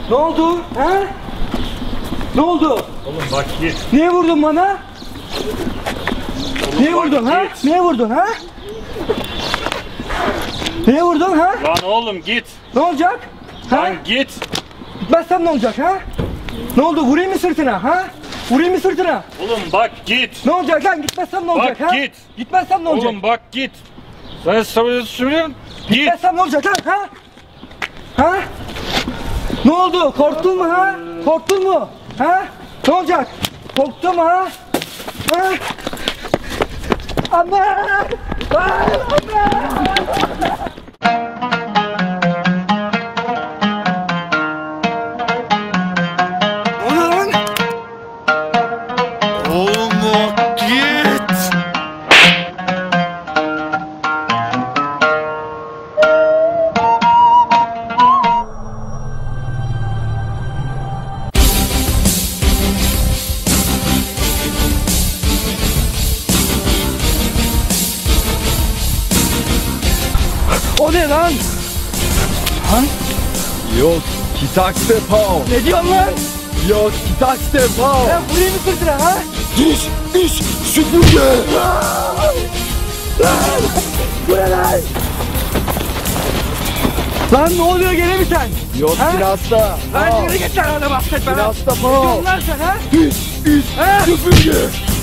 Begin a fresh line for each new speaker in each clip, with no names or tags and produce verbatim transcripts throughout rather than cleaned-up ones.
Ne oldu? Ha? Ne oldu?
Oğlum bak git.
Niye vurdun bana?
Oğlum
Niye
bak
vurdun ha?
git.
Niye vurdun ha? Niye vurdun ha?
Lan oğlum git.
Ne olacak? Ha?
Lan git.
Gitmezsem ne olacak ha? Ne oldu? Vurayım mı sırtına ha? Vurayım mı sırtına?
Oğlum bak git.
Ne olacak lan? Gitmezsem ne olacak
Bak
ha?
git.
Gitmezsem ne olacak?
Oğlum bak git. Sen söylüyorsun. Git.
Gitmezsem ne olacak lan ha? Ha? Ne oldu? Korktun mu ha? Korktun mu? Ha? Ne olacak? Korktun mu ha? Ha? Anne! Ay, anne! O ne lan?
Oğlum bak git.
O ne lan?
Yok, kitak depo.
Ne diyorsun lan?
Yok, kitak depo.
Ben vurayım mı sırtına ha?
Diş, iş, süpürge.
Bu ne lan? Lan ne oluyor gene mi sen?
Yok,
Ha?
kirasta.
Lan yürü git lan orada bahset bana.
Kirasta
Ne
po.
diyorsun lan sen ha?
Diş, iş,
Ha?
süpürge.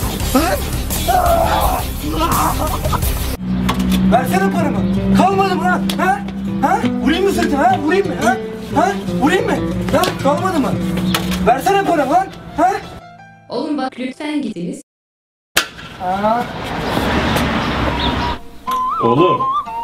Versene paramı. Kalmadı mı lan? Ha? Ha? Vurayım mı sırtına ha? Vurayım mı ha? Ha? Vurayım mı? Ha? Kalmadı mı? Versene paramı lan. Ha?
Oğlum bak lütfen gidiniz.
Aa.
Oğlum.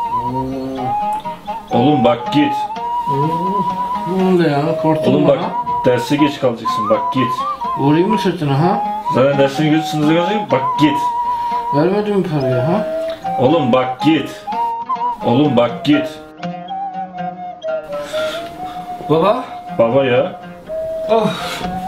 Oğlum bak git.
Ne oldu ya? Korktun
Oğlum
mu
bak
ha?
derse geç kalacaksın bak git.
Vurayım mı sırtına ha?
Zaten dersini gözü görecek bak git.
Vermedin mi parayı ha?
Oğlum bak git. Oğlum bak git.
Baba?
Baba ya.
Of.